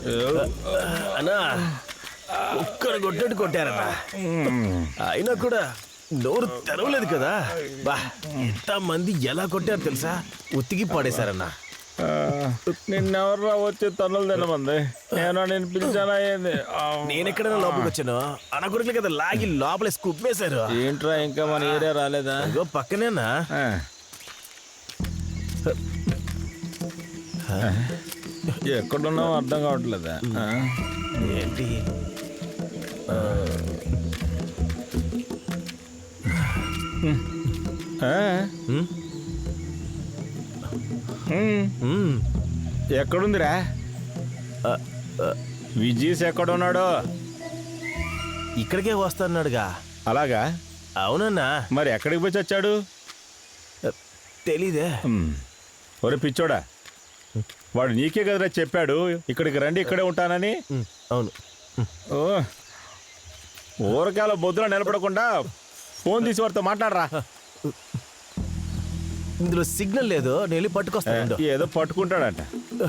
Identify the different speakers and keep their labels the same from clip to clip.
Speaker 1: అన్నా ఒక్కరు కొట్టేట్టు కొట్టారన్నా, అయినా కూడా నోరు తెరవలేదు కదా. బా ఎంత మంది ఎలా కొట్టారు తెలుసా, ఉత్తికి పాడేశారన్నా.
Speaker 2: నిన్నెవర్రా వచ్చి తన్నులు తినమంది? నేను పిలిచానా ఏంది?
Speaker 1: నేనెక్కడైనా లోపలికి వచ్చాను, అనకూడదు కదా లాగి లోపల కుప్పేశారు.
Speaker 2: ఏంట్రా ఇంకా మన ఏరియా రాలేదా?
Speaker 1: ఇగో పక్కనేనా.
Speaker 2: ఎక్కడున్నావు అర్థం కావట్లేదా?
Speaker 1: ఏంటి
Speaker 2: ఎక్కడుందిరా? విజీస్ ఎక్కడున్నాడు?
Speaker 1: ఇక్కడికే వస్తున్నాడుగా.
Speaker 2: అలాగా?
Speaker 1: అవునన్నా.
Speaker 2: మరి ఎక్కడికి పోయి వచ్చాడు?
Speaker 1: తెలీదే.
Speaker 2: ఒరే పిచ్చోడా, వాడు నీకే కదరా చెప్పాడు ఇక్కడికి రండి ఇక్కడే ఉంటానని.
Speaker 1: అవును.
Speaker 2: ఓ ఊరకాల బొద్దులో నిలబడకుండా ఫోన్ తీసి వాడితో మాట్లాడరా.
Speaker 1: ఇందులో సిగ్నల్ లేదు, నేను వెళ్ళి పట్టుకొస్తాను.
Speaker 2: ఏదో పట్టుకుంటాడంట.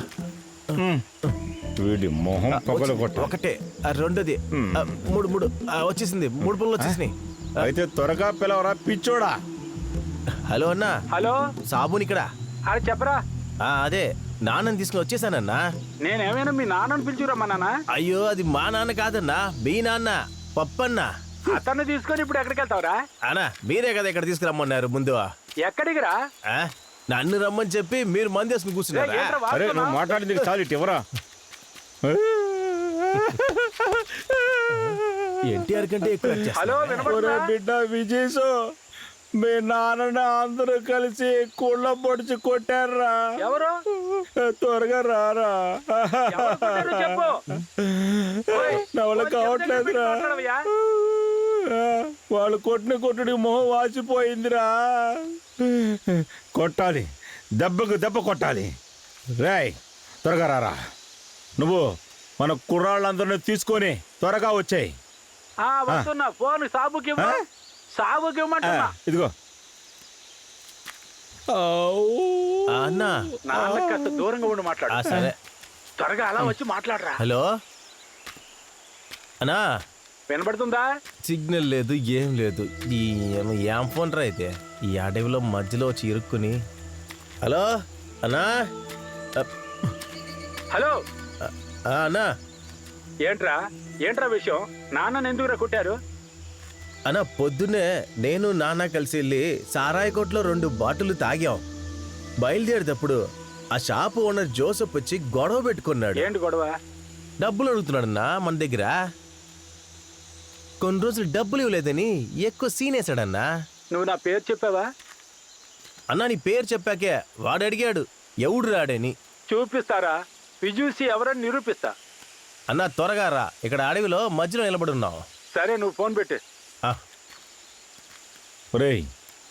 Speaker 2: వీడి మొహం పగల కొట్ట.
Speaker 1: ఒకటే, రెండోది, మూడు మూడు వచ్చేసింది. 3 పనులు వచ్చేసినాయి.
Speaker 2: అయితే త్వరగా పిలవరా పిచ్చోడా.
Speaker 1: హలో అన్నా.
Speaker 3: హలో
Speaker 1: సాబుని ఇక్కడ.
Speaker 3: అరే చెప్పరా.
Speaker 1: అదే నాన్నని తీసుకుని వచ్చేసానన్నా.
Speaker 3: నేనేమైనా మీ నాన్నని పిలిచిరమ్మా?
Speaker 1: అయ్యో అది మా నాన్న కాదన్నా, మీ నాన్న పప్పన్నా.
Speaker 3: అతన్ని తీసుకొని ఇప్పుడు ఎక్కడికి వెళ్తావురా?
Speaker 1: అన్నా మీరే కదా ఇక్కడ తీసుకురమ్మన్నారు ముందు.
Speaker 3: ఎక్కడికి రా?
Speaker 1: నన్ను రమ్మని చెప్పి మీరు మంది వేసుకుని కూర్చున్నారా?
Speaker 2: అరే నువ్వు మాట్లాడింది చాలు, ఇటు ఎవరా?
Speaker 1: ఎన్టీఆర్ కంటే ఎక్కువ.
Speaker 3: హలో
Speaker 2: బిడ్డ విజేష్, మీ నాన్న అందరూ కలిసి కుళ్ళ పొడిచి కొట్టారా?
Speaker 3: ఎవరు?
Speaker 2: త్వరగా రారా.
Speaker 3: చెప్పు.
Speaker 2: నవల కావట్లేదురా. వాళ్ళు కొట్టిన కొట్టుడికి మొహం వాచిపోయిందిరా. కొట్టాలి, దెబ్బకు దెబ్బ కొట్టాలి. రాయ్ త్వరగా రారా. నువ్వు మన కుర్రాళ్ళందరినీ తీసుకొని త్వరగా వచ్చాయి.
Speaker 3: వస్తున్నా. ఫోన్ సాబుకి సాబుకి ఇవ్వమంటున్నా.
Speaker 2: ఇదిగో
Speaker 1: అన్నా,
Speaker 3: నాన్న కాస్త దూరంగా ఉండి మాట్లాడు.
Speaker 1: సరే
Speaker 3: త్వరగా అలా వచ్చి మాట్లాడరా.
Speaker 1: హలో అన్నా,
Speaker 3: వినబడుతుందా?
Speaker 1: సిగ్నల్ లేదు, ఏం లేదు. ఏం ఫోన్ రా అయితే, ఈ అడవిలో మధ్యలో వచ్చి ఇరుక్కుని. హలో అన్నా.
Speaker 3: హలో
Speaker 1: అన్నా.
Speaker 3: ఏంట్రా ఏంట్రా విషయం? నాన్నని ఎందుకురా కొట్టారు?
Speaker 1: అన్నా పొద్దున్నే నేను నాన్న కలిసి వెళ్ళి సారాయి కొట్లో 2 బాటిల్ తాగాం. బయలుదేరేటప్పుడు ఆ షాపు ఓనర్ జోసెఫ్ వచ్చి గొడవ పెట్టుకున్నాడు.
Speaker 3: ఏంటి గొడవ?
Speaker 1: డబ్బులు అడుగుతున్నాడన్నా మన దగ్గర. కొన్ని రోజులు డబ్బులు ఇవ్వలేదని ఎక్కువ సీనేశాడన్నా.
Speaker 3: నువ్వు నా పేరు చెప్పావా?
Speaker 1: అన్నా నీ పేరు చెప్పాకే వాడు అడిగాడు ఎవడు రాడని.
Speaker 3: చూపిస్తారా? విజూసి ఎవరని నిరూపిస్తా.
Speaker 1: అన్నా త్వరగా రా, ఇక్కడ అడవిలో మధ్యలో నిలబడి ఉన్నావు.
Speaker 3: సరే నువ్వు ఫోన్ పెట్టు.
Speaker 2: ఒరేయ్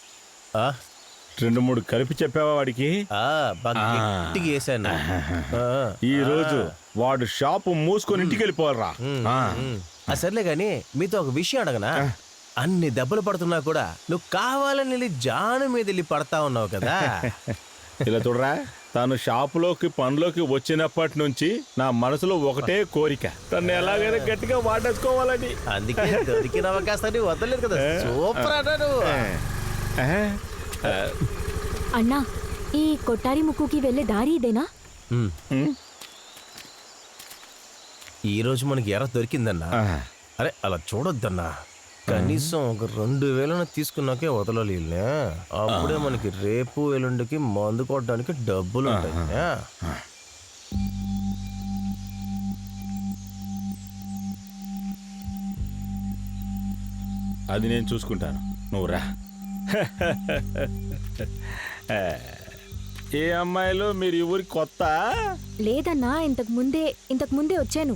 Speaker 2: 2-3 కలిపి చెప్పావా వాడికి?
Speaker 1: గట్టిగా వేసాను.
Speaker 2: ఈ రోజు వాడు షాపు మూసుకొని ఇంటికి వెళ్ళిపోవాలరా.
Speaker 1: సర్లే గాని మీతో ఒక విషయం అడగనా? అన్ని దెబ్బలు పడుతున్నా కూడా నువ్వు కావాలని వెళ్ళి జాను మీద వెళ్ళి పడతా ఉన్నావు కదా.
Speaker 2: ఇలా చూడరా, తాను షాపులోకి పనిలోకి వచ్చినప్పటి నుంచి నా మనసులో ఒకటే కోరిక, తను ఎలాగైనా గట్టిగా వాడేసుకోవాలని.
Speaker 1: అందుకే దొరికిన అవకాశాన్ని వదలలేదు కదా. సూపర్ అన్నా నువ్వు.
Speaker 4: అన్నా, ఈ కొట్టారి ముక్కుకి వెళ్ళే దారి ఇదేనా?
Speaker 1: ఈ రోజు మనకి ఎర్ర దొరికిందన్నా. అరే అలా చూడొద్దన్నా, కనీసం ఒక 2000 తీసుకున్నాకే వదలాలి. అప్పుడే మనకి రేపు ఎల్లుండికి మందు కొట్టడానికి డబ్బులు ఉంటాయి.
Speaker 2: అది నేను చూసుకుంటాను, నువ్వు రా. ఏ అమ్మాయిలు మీరు ఈ ఊరికి కొత్త?
Speaker 4: లేదన్నా, ఇంతకు ముందే వచ్చాను.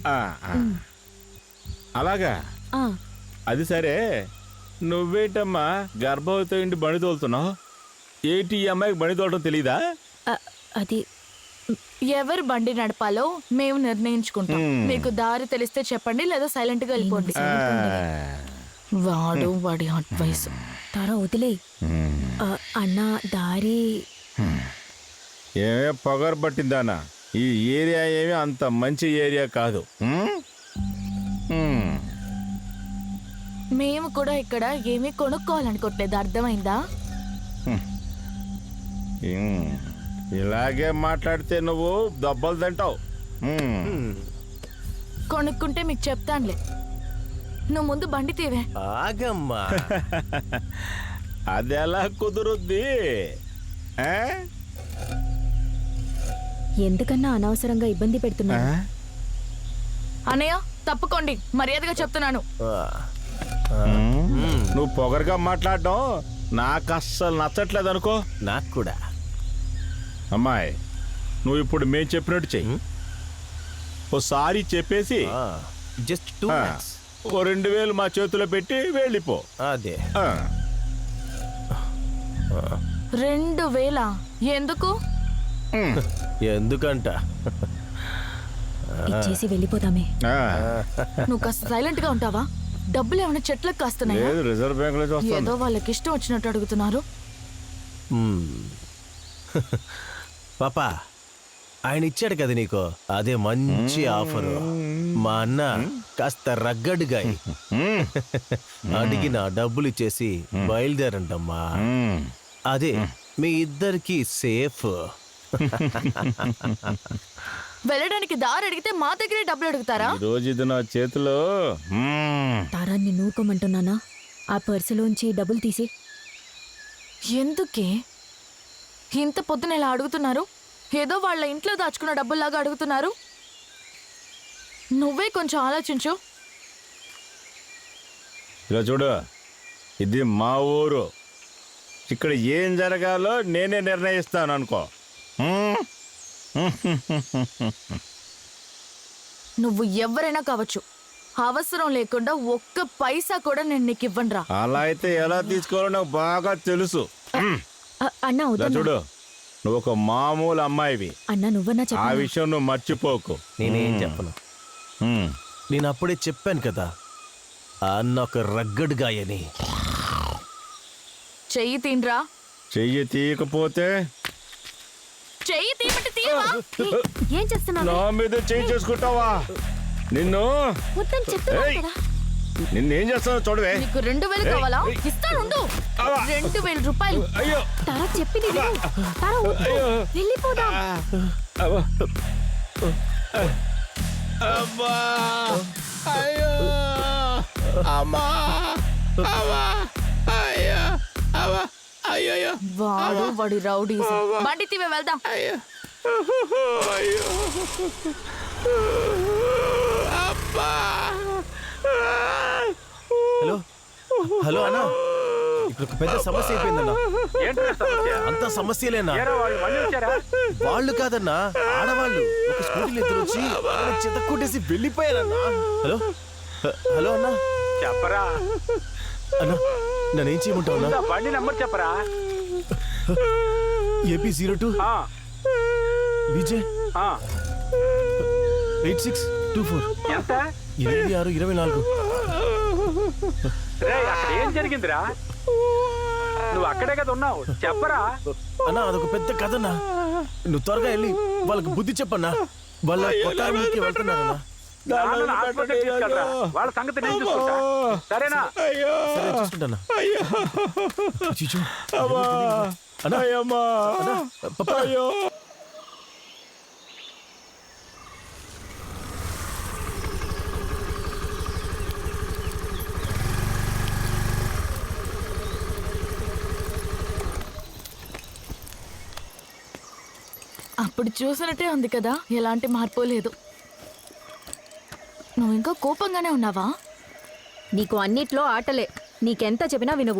Speaker 2: అలాగా? అది సరే, నువ్వేంటమ్మా గర్భవతి ఇంటి బండి తోలుతున్నావు? ఏంటి ఈ అమ్మాయికి బండి తోలడం తెలీదా?
Speaker 4: అది
Speaker 5: ఎవరు బండి నడపాలో మేము నిర్ణయించుకుంటాం. మీకు దారి తెలిస్తే చెప్పండి, లేదా సైలెంట్ గా వెళ్ళిపోండి. వాడి అడ్వైస్
Speaker 4: వదిలే. అన్నా దారి
Speaker 2: ఏమే పొగరు పట్టిందానా? ఈ ఏరియా ఏమి అంత మంచి ఏరియా కాదు.
Speaker 5: మేము కూడా ఇక్కడ ఏమీ కొనుక్కోవాలనుకోవట్లేదు, అర్థమైందా?
Speaker 2: ఇలాగే మాట్లాడితే నువ్వు దెబ్బలు తింటావు.
Speaker 5: కొనుక్కుంటే మీకు చెప్తానులే. నువ్వు ముందు బండి తీవే.
Speaker 1: ఆగమ్మా.
Speaker 2: అది ఎలా కుదురుద్ది? ఆ?
Speaker 4: ఎందుకన్నా అనవసరంగా ఇబ్బంది పెడుతున్నా?
Speaker 5: అన్నయ్య తప్పుకోండి, మర్యాదగా చెప్తున్నాను.
Speaker 2: నువ్వు పొగరుగా మాట్లాడడం నాకు అస్సలు నచ్చట్లేదు అనుకో.
Speaker 1: నాకు కూడా.
Speaker 2: అమ్మాయి, నువ్వు ఇప్పుడు మేము చెప్పినట్టు చెయ్యి. ఓసారి చెప్పేసి
Speaker 1: జస్ట్ 2 minutes.
Speaker 2: ఓ 2000 మా చేతిలో పెట్టి వెళ్ళిపో.
Speaker 1: అదే.
Speaker 5: 2000 ఎందుకు?
Speaker 1: ఎందుకంట
Speaker 4: ఇచ్చేసి వెళ్ళిపోతామే.
Speaker 5: నువ్వు కాస్త సైలెంట్ గా ఉంటావా? డబ్బులు ఏమైనా చెట్లకు కాస్తున్నాయా?
Speaker 2: లేదు, రిజర్వ్ బ్యాంక్ లో
Speaker 5: ఏదో వాళ్ళకి ఇష్టం వచ్చినట్టు అడుగుతున్నారు.
Speaker 1: పాపా, ఆయన ఇచ్చాడు కదా నీకు, అదే మంచి ఆఫరు. మా అన్న కాస్త రగ్గడ్గా అడిగిన డబ్బులు ఇచ్చేసి బయలుదేరంటమ్మా. అదే మీ ఇద్దరికి సేఫ్.
Speaker 5: వెళ్ళడానికి దారి అడిగితే మా దగ్గరే డబ్బులు అడుగుతారా?
Speaker 2: ఈ రోజు ఇది నా చేతిలో.
Speaker 4: తారాన్ని నూరుకోమంటున్నానా? ఆ పర్సులోంచి డబ్బులు తీసి.
Speaker 5: ఎందుకే ఇంత పొద్దున ఇలా అడుగుతున్నారు? ఏదో వాళ్ళ ఇంట్లో దాచుకున్న డబ్బుల్లాగా అడుగుతున్నారు. నువ్వే కొంచెం ఆలోచించు.
Speaker 2: ఇలా చూడు, ఇది మా ఊరు. ఇక్కడ ఏం జరగాలో నేనే నిర్ణయిస్తాను అనుకో.
Speaker 5: నువ్వు ఎవరైనా కావచ్చు, అవసరం లేకుండా ఒక్క పైసా కూడా నేను నీకు ఇవ్వనురా.
Speaker 2: అలా అయితే ఎలా తీసుకోవాలో నాకు బాగా తెలుసు.
Speaker 4: అన్నా
Speaker 2: ఇలా
Speaker 4: అవుతా
Speaker 2: చూడు, నువ్వు ఒక మామూలు అమ్మాయివి.
Speaker 4: అన్నా నువ్వన్నా
Speaker 2: ఆ
Speaker 4: చెప్పు.
Speaker 2: విషయం నువ్వు మర్చిపోకు.
Speaker 1: నేనేం చెప్పను. నేను అప్పుడే చెప్పాను కదా, అన్న ఒక రగ్గడ్ గాయని.
Speaker 5: చెయ్యి తీన్రా.
Speaker 2: చెయ్యి తీయకపోతే
Speaker 5: చెయ్యి తీయమంటే తీయవా?
Speaker 4: ఏం చేస్తున్నావు?
Speaker 2: నా మీద చెయ్యి చేసుకుంటావా? నిన్ను
Speaker 4: వద్దని చెప్తున్నావు
Speaker 2: ఏయ్!
Speaker 4: కదా.
Speaker 2: నిన్నేం చేస్తానో చూడవే.
Speaker 5: నీకు 2000 కావాలా? ఇస్తానుండు. 2000 రూపాయలు.
Speaker 2: అయ్యో,
Speaker 4: తారా చెప్పింది విను. తారా వద్దు. వెళ్ళిపోదాం.
Speaker 2: అబ్బా, అబ్బా, అయ్యో, అమ్మా, అమ్మా, అయ్యో, అమ్మా, అయ్యో,
Speaker 5: వాడి రౌడీ. బండి తీవే, వెళ్దాం.
Speaker 2: అయ్యో, అయ్యో, అబ్బా.
Speaker 1: హలో హలో అన్న, ఇప్పుడు ఒక పెద్ద సమస్య అయిపోయిందన్న.
Speaker 3: ఏంట్రా సమస్య?
Speaker 1: అంత సమస్యలేనా?
Speaker 3: ఏరా వాళ్ళు మళ్ళీ వచ్చారా?
Speaker 1: వాళ్ళు కాదన్నా, ఆడవాళ్ళు ఒక స్కూటీలో ఇద్దరు వచ్చి చెత్త కొట్టేసి వెళ్ళిపోయారన్నా. హలో హలో అన్నా.
Speaker 3: చెప్పరా,
Speaker 1: అన్నా నన్నేం చేయమంటావు అన్నా?
Speaker 3: బండి నెంబర్ చెప్పరా.
Speaker 1: ఏపీ 02
Speaker 3: ఆ,
Speaker 1: విజయ్
Speaker 3: ఆ.
Speaker 1: 8624
Speaker 3: ఎంత?
Speaker 1: 2624.
Speaker 3: రే, అక్కడ ఏం జరిగిందిరా? నువ్వు అక్కడే కదా ఉన్నావు, చెప్పరా.
Speaker 1: అన్నా అదొక పెద్ద కథన్నా, నువ్వు త్వరగా వెళ్ళి వాళ్ళకి బుద్ధి చెప్పన్నా. వాళ్ళ కొట్టానికి వెళ్తున్నారన్నా.
Speaker 3: నాన్నను హాస్పిటల్కి తీసుకెళ్ళరా. వాళ్ళ సంగతి నేను చూసుకుంటా, సరేనా?
Speaker 1: సరే చూసుకుంటానా. అయ్యో. అన్నా
Speaker 2: అయ్యమ్మా,
Speaker 1: అన్నా పప్పా.
Speaker 2: అయ్యో.
Speaker 5: అప్పుడు చూసినట్టే ఉంది కదా, ఎలాంటి మార్పు లేదు. నువ్వు ఇంకా కోపంగానే ఉన్నావా?
Speaker 4: నీకు అన్నిట్లో ఆటలే. నీకెంత చెప్పినా వినవు.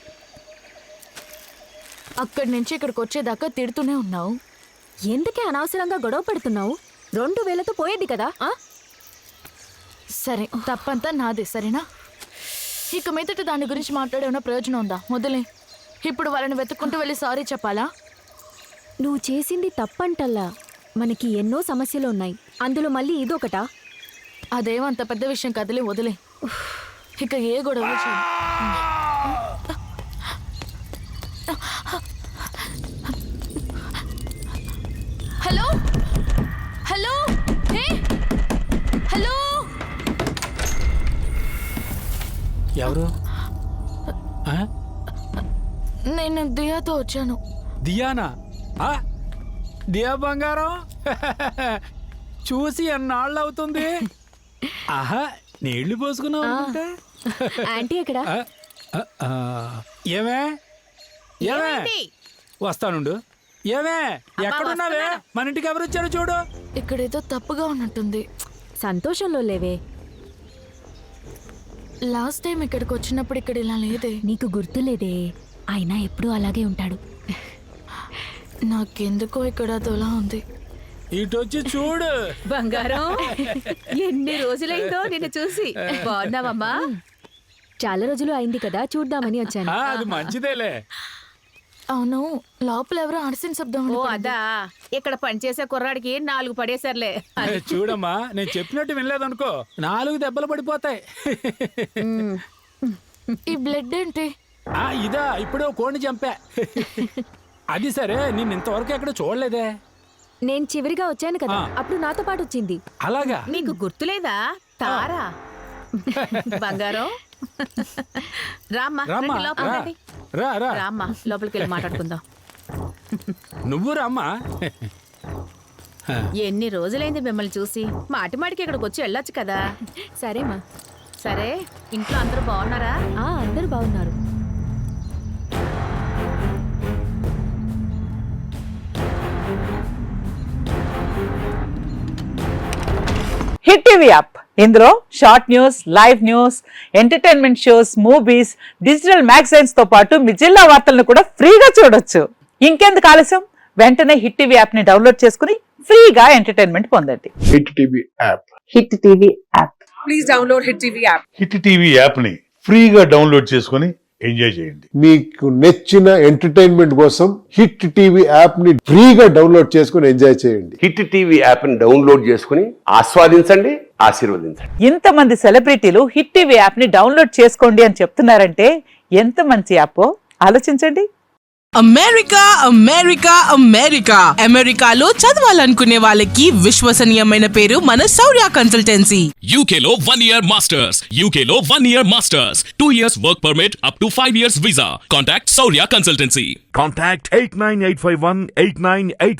Speaker 5: అక్కడి నుంచి ఇక్కడికి వచ్చేదాకా తిడుతూనే ఉన్నావు.
Speaker 4: ఎందుకే అనవసరంగా గొడవ పడుతున్నావు? 2000తో పోయేది కదా.
Speaker 5: సరే, తప్పంతా నాదే, సరేనా? ఇక మీదట దాని గురించి మాట్లాడేమన్నా ప్రయోజనం ఉందా? వదిలే. ఇప్పుడు వాళ్ళని వెతుక్కుంటూ వెళ్ళి సారీ చెప్పాలా?
Speaker 4: నువ్వు చేసింది తప్పంటల్లా. మనకి ఎన్నో సమస్యలు ఉన్నాయి, అందులో మళ్ళీ ఇదొకటా?
Speaker 5: అదేమంత పెద్ద విషయం కదిలే, వదిలే. ఇక ఏ గొడవ చేయ. హలో
Speaker 6: ఎవరు? ఆ?
Speaker 5: నేను దియాతో వచ్చాను.
Speaker 6: దియానా? ఆ? దియా బంగారం చూసి ఎన్నాళ్ళు అవుతుంది. ఆహా, నీళ్లు పోసుకున్నావు అనుకుంటే.
Speaker 4: ఆంటీ ఎక్కడ?
Speaker 6: ఏమే ఏమే వస్తానుండు. ఏమే ఎక్కడున్నావే? మన ఇంటికి ఎవరు వచ్చారు చూడు.
Speaker 5: ఇక్కడేదో తప్పుగా ఉన్నట్టుంది.
Speaker 4: సంతోషంలో లేవే.
Speaker 5: లాస్ట్ టైం ఇక్కడికి వచ్చినప్పుడు ఇక్కడ ఇలా లేదే.
Speaker 4: నీకు గుర్తులేదే, అయినా ఎప్పుడూ అలాగే ఉంటాడు.
Speaker 5: నాకెందుకో ఇక్కడ అదోలా ఉంది.
Speaker 6: ఇటు వచ్చి చూడు.
Speaker 7: బంగారం, ఎన్ని రోజులైందో నిన్ను చూసి. బాగున్నావమ్మా?
Speaker 4: చాలా రోజులు అయింది కదా, చూద్దామని వచ్చాను.
Speaker 6: అది మంచిదేలే.
Speaker 5: అవును, లోపల ఎవరో అడిసిన శబ్దం
Speaker 7: ఓ
Speaker 5: వినపడింది.
Speaker 7: అదా, ఇక్కడ పనిచేసే కుర్రాడికి 4 పడేశారులే.
Speaker 6: చూడమ్మా, నేను చెప్పినట్టు వినలేదనుకో 4 దెబ్బలు పడిపోతాయి.
Speaker 5: ఈ బ్లడ్ ఏంటి?
Speaker 6: ఇదా, ఇప్పుడే కోడిని చంపా. అది సరే, నిన్ను ఇంతవరకు ఎక్కడ చూడలేదే.
Speaker 4: నేను చివరిగా వచ్చాను కదా, అప్పుడు నాతో పాటు వచ్చింది.
Speaker 6: అలాగా?
Speaker 7: నీకు గుర్తులేదా? తారా. బంగారం, రామ్మా,
Speaker 6: రామ్మా,
Speaker 7: రండి, లోపలికి రండి.
Speaker 6: రా.
Speaker 7: రామ్మా, లోపలికి వెళ్ళి మాట్లాడుకుందాం.
Speaker 6: నువ్వు రామ్మా.
Speaker 7: ఎన్ని రోజులైంది మిమ్మల్ని చూసి. మాటి మాటికి ఇక్కడికి వచ్చి వెళ్ళొచ్చు కదా.
Speaker 4: సరేమా.
Speaker 7: సరే, ఇంట్లో అందరూ బాగున్నారా?
Speaker 4: అందరూ బాగున్నారు.
Speaker 8: హిట్ టీవీ యాప్, ఇందులో short news, live news, entertainment shows, movies, digital magazines తో పాటు మీ జిల్లా వార్తలను కూడా ఫ్రీగా చూడొచ్చు. ఇంకెందుకు ఆలస్యం, వెంటనే హిట్ టీవీ యాప్ ని డౌన్లోడ్ చేసుకుని ఫ్రీగా ఎంటర్టైన్మెంట్ పొందండి.
Speaker 9: Hit TV app.
Speaker 8: Hit TV app.
Speaker 10: Please download hit TV app.
Speaker 9: Hit TV app ని ఫ్రీగా డౌన్లోడ్ చేసుకుని ఎంజాయ్ చేయండి.
Speaker 11: మీకు నచ్చిన ఎంటర్టైన్మెంట్ కోసం హిట్ టీవీ యాప్ ని ఫ్రీగా డౌన్లోడ్ చేసుకుని ఎంజాయ్ చేయండి.
Speaker 12: హిట్ టీవీ యాప్ ని డౌన్లోడ్ చేసుకుని ఆస్వాదించండి, ఆశీర్వదించండి.
Speaker 8: ఇంతమంది సెలబ్రిటీలు హిట్ టీవీ యాప్ ని డౌన్లోడ్ చేసుకోండి అని చెప్తున్నారంటే ఎంత మంచి యాపో ఆలోచించండి.
Speaker 10: అమెరికా అమెరికా అమెరికా అమెరికాలో చదవాలనుకునే వాళ్ళకి విశ్వసనీయమైన పేరు మన శౌర్య కన్సల్టెన్సీ.
Speaker 13: యూకేలో 1 year masters, యూకేలో 1 year masters, 2 years work permit up to 5 years visa. Contact Saurya Consultancy.
Speaker 14: Contact 89851 89851.